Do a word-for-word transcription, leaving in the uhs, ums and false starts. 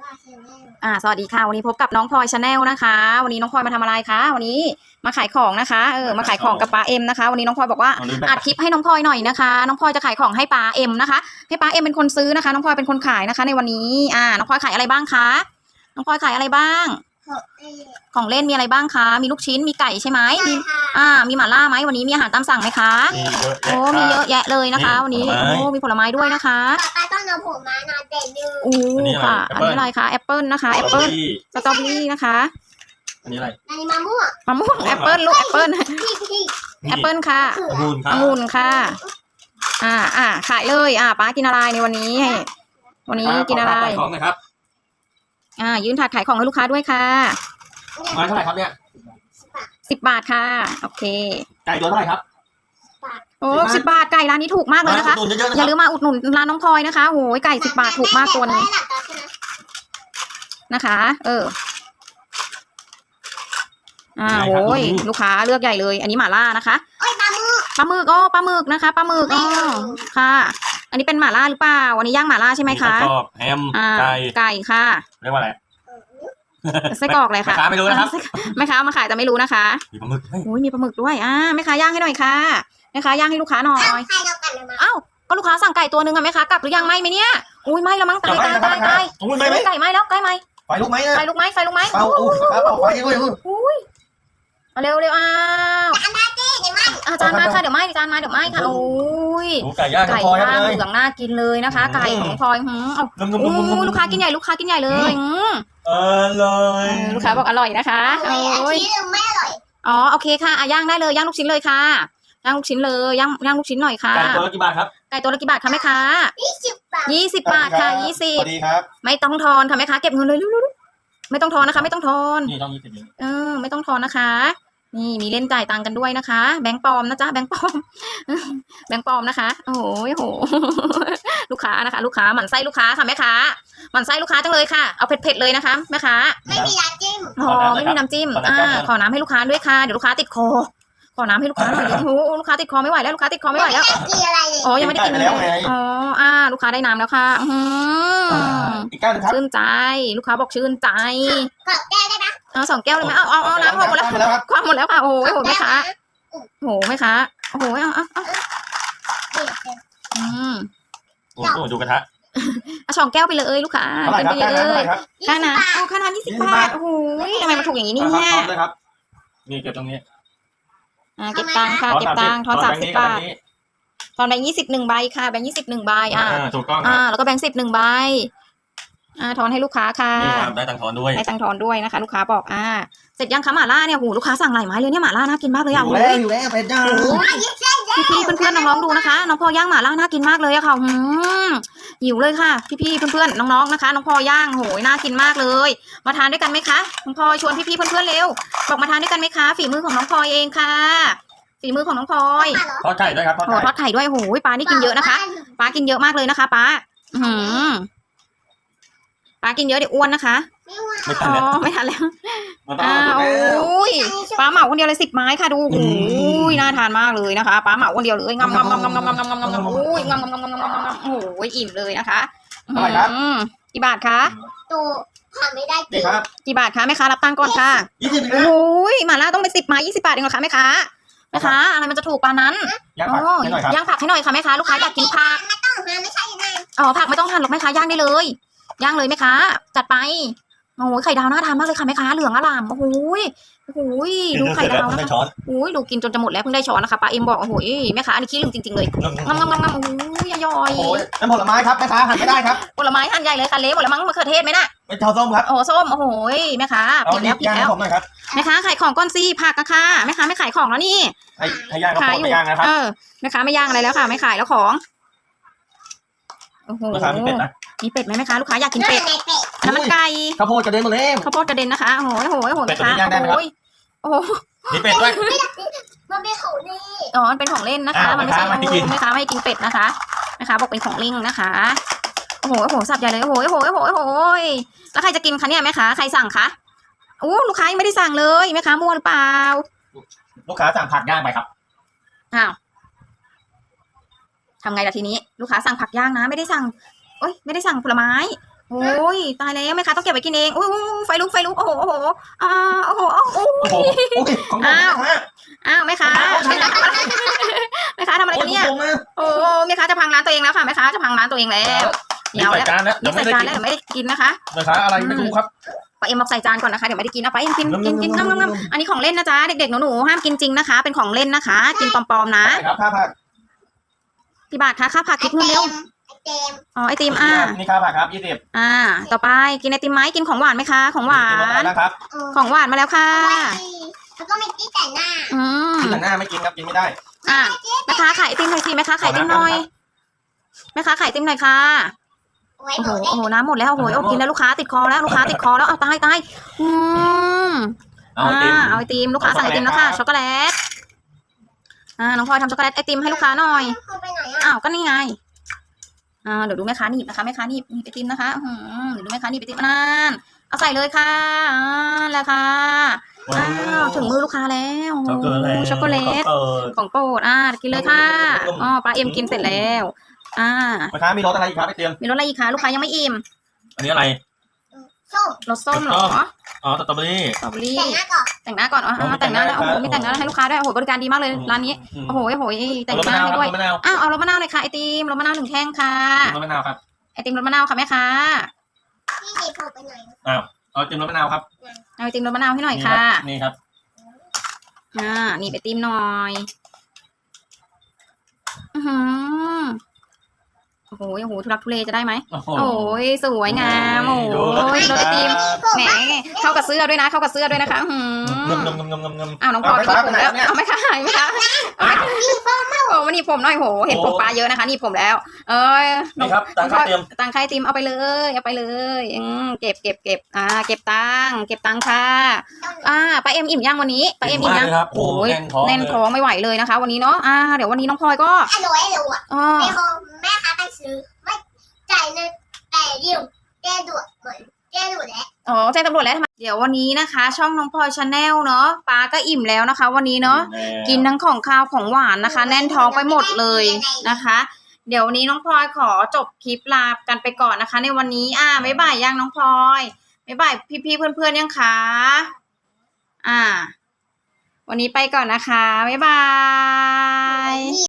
อ่าสวัสดีค่ะวันนี้พบกับน้องพลอยชาแนลนะคะวันนี้น้องพลอยมาทำอะไรคะวันนี้มาขายของนะคะเออมาขายของกับป้าเอ็มนะคะวันนี้น้องพลอยบอกว่าอัดคลิปให้น้องพลอยหน่อยนะคะน้องพลอยจะขายของให้ป้าเอ็มนะคะให้ป้าเอ็มเป็นคนซื้อนะคะน้องพลอยเป็นคนขายนะคะในวันนี้อ่าน้องพลอยขายอะไรบ้างคะน้องพลอยขายอะไรบ้างของเล่นมีอะไรบ้างคะมีลูกชิ้นมีไก่ใช่ไหมมีอ่ามีหม่าล่าไหมวันนี้มีอาหารตามสั่งไหมคะโอ้มีเยอะแยะเลยนะคะวันนี้โอ้มีผลไม้ด้วยนะคะป้าต้องเอาผมมานาเด่นดูโอ้ค่ะอันนี้อะไรคะแอปเปิลนะคะแอปเปิลสตรอเบอรี่นะคะอันนี้อะไรอันนี้มะม่วงมะม่วงแอปเปิลลูกแอปเปิลแอปเปิลค่ะองุ่นค่ะองุ่นค่ะอ่าอ่าขายเลยอ่าป้ากินอะไรในวันนี้วันนี้กินอะไรของนะครับอ่ายืนถาดขายของให้ลูกค้าด้วยค่ะไม้เท่าไหร่ครับเนี่ยสิบบาทค่ะโอเคไก่ตัวเท่าไหร่ครับโอ้สิบบาทไก่ร้านนี้ถูกมากเลยนะคะอย่าลืมมาอุดหนุนร้านน้องพลอยนะคะโอ้ยไก่สิบบาทถูกมากตัวนึงนะคะเอออ่าโอ้ยลูกค้าเลือกใหญ่เลยอันนี้หม่าล่านะคะปลาหมึกปลาหมึกอ๋อปลาหมึกนะคะปลาหมึกอ๋อค่ะอันนี้เป็นหม่าล่าหรือเปล่าวันนี้ย่างหม่าล่าใช่ไหมคะไส้กรอกแฮมไก่ไก่ค่ะเรียกว่าอะไรไส้กรอกเลยค่ะแม่ค้าไม่รู้นะครับแม่ค้ามาขายแต่ไม่รู้นะคะมีปลาหมึกโอ้ยมีปลาหมึกด้วยอ่าแม่ค้าย่างให้หน่อยค่ะแม่ค้าย่างให้ลูกค้าหน่อยเอ้าก็ลูกค้าสั่งไก่ตัวนึงอะแม่ค้ากลับหรือยังไหมไหมเนี่ยอุ้ยไหมแล้วมั้งตายตายตายตายไก่ไหมแล้วไก่ไหมไฟลุกไหมไฟลุกไหมไฟลุกไหมเป่าเป่าไฟด้วยอุ้ยเร็วเร็วอ้าวอาจารย์มาค่ะเดี๋ยวไหมอาจารย์มาเดี๋ยวไหมค่ะโอ้ยไก่ย่างไก่ย่างเหลืองน่ากินเลยนะคะไก่ของพลอยหืมเอาอู้ลูกค้ากินใหญ่ลูกค้ากินใหญ่เลยอร่อยลูกค้าบอกอร่อยนะคะโอ้ยไม่อร่อยอ๋อโอเคค่ะย่างได้เลยย่างลูกชิ้นเลยค่ะย่างลูกชิ้นเลยย่างย่างลูกชิ้นหน่อยค่ะไก่ตัวละกี่บาทครับไก่ตัวละกี่บาทคะแม่ค้ายี่สิบบาทยี่สิบบาทค่ะยี่สิบสวัสดีครับไม่ต้องทอนค่ะแม่ค้าเก็บเงินเลยไม่ต้องทอนนะคะไม่ต้องทอนนี่ต้องยี่สิบเออไม่ต้องทอนนะคะนี่มีเล่นจ่ายตังค์กันด้วยนะคะแบงค์ปลอมนะจ๊ะแบงค์ปลอมแบงค์ปลอมนะคะโอ้โหโหลูกค้านะคะลูกค้าหมั่นไส้ลูกค้าค่ะแม่ค้าหมั่นไส้ลูกค้าจังเลยค่ะเอาเผ็ดๆเลยนะคะแม่ค้าไม่มีน้ำจิ้มอ๋อไม่มีน้ำจิ้มอ่าขอน้ำให้ลูกค้าด้วยค่ะเดี๋ยวลูกค้าติดคอขอน้ำให้ลูกค้าหน่อยเดี๋ยวโอ้โหลูกค้าติดคอไม่ไหวแล้วลูกค้าติดคอไม่ไหวแล้วอ๋อยังไม่ได้กินเลยอ๋ออ่าลูกค้าได้น้ำแล้วค่ะอืมชื่นใจลูกค้าบอกชื่นใจขอแก้ได้ไหมเอาสองแก้วเลยไหมเอาเอาเอาน้ำหมดแล้วความหมดแล้วค่ะโอ้โหโหแม่ค้าโหแม่ค้าโอ้โหเอาเอาเอาอืมโอ้โหดูกระทะเอาสองแก้วไปเลยลูกค้าเป็นไปเลยค่าน้ำเอาค่าน้ำยี่สิบบาทโอ้โหทำไมมันถูกอย่างนี้เนี่ยนี่เก็บตรงนี้อ่าเก็บตังค์ค่ะเก็บตังค์ทอนสามสิบบาททอนแบงค์ยี่สิบหนึ่งใบค่ะแบงค์ยี่สิบหนึ่งใบอ่าถูกต้องอ่าแล้วก็แบงค์สิบหนึ่งใบอ่าทอนให้ลูกค้าค่ะได้ตังค์ทอนด้วยได้ตังค์ทอนด้วยนะคะลูกค้าบอกอ่าเสร็จยังคะหม่าล่าเนี่ยโหลูกค้าสั่งหลายไม้เลยเนี่ยหม่าล่าน่ากินมากเลยอ่ะอยู่แล้วอยู่แล้วเผ็ดจังพี่ๆเพื่อนๆน้องๆดูนะคะน้องพอย่างหม่าล่าน่ากินมากเลยอะค่ะหืมหิวเลยค่ะพี่ๆเพื่อนๆน้องๆนะคะน้องพอย่างโหยน่ากินมากเลยมาทานด้วยกันไหมคะน้องพลอยชวนพี่ๆเพื่อนๆเร็วบอกมาทานด้วยกันไหมคะฝีมือของน้องพลอยเองค่ะฝีมือของน้องพลอยทอดไข่ด้วยครับโหทอดไข่ด้วยโหยปลานี่กินเยอะนะคะปลากินเยอะมากเลยนะคะปลาหืมปลากินเยอะเดี๋ยวอ้วนนะคะอ๋อไม่ทันแล้วอ้าวโอ้ยปลาเหมาคนเดียวเลยสิบไม้ค่ะดูโอ้ยน่าทานมากเลยนะคะปลาเหมาคนเดียวเลยงำงำงำงำงำงำงำงำงำโอ้ยงำงำงำงำงำงำโอ้ยอิ่มเลยนะคะกี่บาทคะตัวหาไม่ได้กี่กี่บาทคะแม่ค้ารับตังค์ก่อนค่ะโอ้ยหม่าล่าต้องเป็นสิบไม้ยี่สิบบาทเองเหรอคะแม่ค้าแม่ค้าอะไรมันจะถูกปานนั้นย่างผักให้หน่อยค่ะแม่ค้าลูกค้าอยากกินผักไม่ต้องหั่นไม่ใช่ยังไงอ๋อผักไม่ต้องหั่นหรอกแม่ค้าย่างได้เลยย่างเลยไหมคะจัดไปโอ้ยไข่ดาวน่าทานมากเลยค่ะแม่ค้าเหลืองอร่ามโอ้ยโอ้ยดูไข่ดาวนะคะโอ้ยดูกินจนจะหมดแล้วเพิ่งได้ช้อนนะคะป้าเอ็มบอกโอ้ยแม่ค้าอันนี้ขี้ลืมจริงๆเลยงำงำงำงำโอ้ยย่อยโอ้ยน้ำผลไม้ครับแม่ค้าหั่นไม่ได้ครับผลไม้หั่นใหญ่เลยค่ะเละหมดแล้วมั้งมะเขือเทศไหมน่ะเป็นชาวส้มครับโอ้ส้มโอ้โหแม่ค้าผิดแล้วผิดแล้วแม่ค้าขายของก้อนซี่ผักอะค่ะแม่ค้าไม่ขายของแล้วนี่ให้ย่างก็ไม่ย่างนะครับเออแม่ค้าไม่ย่างอะไรแล้วค่ะไม่ขายแล้วของโอ้โหมีเป็ดไหมแม่ค้าลูกค้าอยากกินเป็ดน้ำมันไก่ข้าวโพดกระเด็นหมดเลยข้าวโพดกระเด็นนะคะโอ้โหโอ้โหโอ้โหแม่ค้าโอ้ยโอ้โหมีเป็ดด้วยมันเป็นของเล่นอ๋อมันเป็นของเล่นนะคะมันไม่ใช่แม่ค้าไม่ให้กินเป็ดนะคะแม่ค้าบอกเป็นของเล่นนะคะโอ้โหโอ้โหสับใหญ่เลยโอ้โหโอ้โหโอ้โหโอ้โหแล้วใครจะกินคะเนี่ยแม่ค้าใครสั่งคะโอ้ลูกค้ายังไม่ได้สั่งเลยแม่ค้ามั่วหรือเปล่าลูกค้าสั่งผักย่างไปครับอ้าวทำไงล่ะทีนี้ลูกค้าสั่งผักย่างนะไม่ได้สั่งโอ๊ยไม่ได้สั่งผลไม้โอ้ยตายแล้วแม่ค้าต้องเก็บไว้กินเองอุ้ยอุ้ยอุ้ยไฟลุกไฟลุกโอ้โหโอ้โหอ่าโอ้โหโอ้โหโอ้โหโอ้ยของผมนะฮะอ้าวแม่ค้าแม่ค้าทำอะไรโอ้กัยนเนี่ยผมนะโอ้แม่ค้าจะพังร้านตัวเองแล้วค่ะแม่ค้าจะพังร้านตัวเองแล้วนี่เดี๋ยวใส่แล้วจานแล้วเดี๋นี่ยวไม่ใส่ได้จานกินแล้วเดี๋ยวไม่ได้กินนะคะนะคะอะไรไม่รู้ครับป้าเอ็มบอกใส่จานก่อนนะคะเดี๋ยวไม่ได้กินนะป้าเอ็มกินกินกินงำๆๆๆงำงำอันนี้ของเล่นนะจ๊ะเด็กๆหนูๆห้ามกินจริงนะคะ เป็นของเล่นนะคะ กินปลอมๆนะใช่ครับค่าผักพี่บาทคะค่าผักคิดเงินเร็วเต็มอ๋อไอติมอ่านี่ค่าผักครับยี่สิบอ่า ต่อไปกินไอติมไหมกินของหวานไหมคะ ของหวากินรสอะไรนนะครับของหวานมาแล้วค่ะแล้วก็ไม่ตีแต่หน้าอืมกินแต่หน้าไม่กินครับกินไม่ได้อ่ะแม่ค้าขายไอติมหน่อยสิแม่ค้าขายไอติมหน่อยแม่ค้าขายไอติมหน่อยค่ะไว้โอ้หโหนูโอ้โหน้ำหมดแล้วโอ้โหอดกินแล้วลูกค้าติดคอแล้วลูกค้าติดคอแล้วเอาตายตายอืมเอาไอติมอ่าเอาไอติมลูกค้าสั่งไอติมแล้วค่ะช็ช็ออก กโกโกแลแลตตอ่าน้องพลอยทำช็อกโกแลตไอติมให้ลูกค้าหน่อยเขาไปไหนอ่ะอ้าวก็นี่ไงอ่าเดี๋ยวดูแม่ค้าหนีบนะคะแม่ค้าหนีบหนีบไอติมนะคะอื้อหือเดี๋ยวดูแม่ค้าหนีบไอติมนั่นเอาใส่เลยค่ะอ่าแล้วค่ะอ้าวถึงมือลูกค้าแล้วโอ้โหช็อกโกแลตของโปรดอ่ากินเลยค่ะอ๋อปลาเอ็มกินเสร็จแล้วอ่าแม่ค้ามีรสอะไรอีกครับไอเตียมมีรสอะไรอีกคะลูกค้ายังไม่อิ่มอันนี้อะไรส้มรสส้มเหรออ๋อสตรอเบอรี่สตรอเบอรี่แต่งหน้าก่อนแต่งหน้าก่อนอ๋อโอ้แต่งหน้าแล้วแต่โอ้งหน้าโหมีแต่งหน้าให้ลูกค้าด้วยโอ้โหบริการดีมากเลยร้านนี้อืมโอ้โหโอ้โหแต่งรสหมะน้านาวให้ครับด้วยรสมะนาวอ้าวเอารสมะนาวเลยค่ะไอติมรสมะนาวหนึ่งแท่งค่ะรสมะนาวครับไอติมรสมะนาวค่ะแม่ค้าพี่ดีผมไปไหนเอาไอติมรสมะนาวครับเอาไอติมรสมะนาวให้หน่อยค่ะนี่ครับอ่านี่ไอติมหน่อยอือหือโอ้โหโอ้โหทุลักทุเลจะได้ไหมโอ้โหโอ้ยสวยงามโอ้ดูยรสไอติมผมแหมเข้ากับเสื้อด้วยนะ เข้ากับเสื้อด้วยนะคะอืงมมงมงมงมงมอ้าวน้องพลอยเอาไปไปหนีบผมแล้วไปไหนเนี่ยเอาไหมคะหายไหมคะโอ้มาหนีบผมหน่อยโหเห็นผมปลาเยอะนะคะหนีบผมแล้ว เอ้ยนี่ครับตังค่าเตรียมตังค่าไอติมเอาไปเลยเอาไปเลยอืมเก็บเก็บเก็บอ่าเก็บตังค์เก็บตังค่ะ อ่าป้าเอ็มอิ่มยังวันนี้ป้าเอ็มอิ่มยังครับโอ้โอ้ยแน่นท้องแน่นท้องไม่ไหวเลยนะคะ วันนี้เนาะอ่าเดี๋ยววันนี้น้องพลอยก็อร่อยอร่อยอ่าแม่เขาแม่ค้าไปซื้อไม่จ่ายเงินแต่เดียวแก้ด่วนเหมือนแก้ด่วนแล้วอ๋อแจ้งตำรวจแล้วทำไมเดี๋ยววันนี้นะคะ ช่องน้องพลอยชาแนลเนาะป้าก็อิ่มแล้วนะคะ วันนี้เนาะ กินทั้งของคาวของหวานนะคะ แน่นท้องไปหมดเลยนะคะ เดี๋ยววันนี้น้องพลอยขอจบคลิปลากันไปก่อนนะคะ ในวันนี้อ่าบ๊ายบายยังน้องพลอยบ๊ายบายพี่ๆเพื่อนๆยังคะอ่า วันนี้ไปก่อนนะคะบ๊ายบาย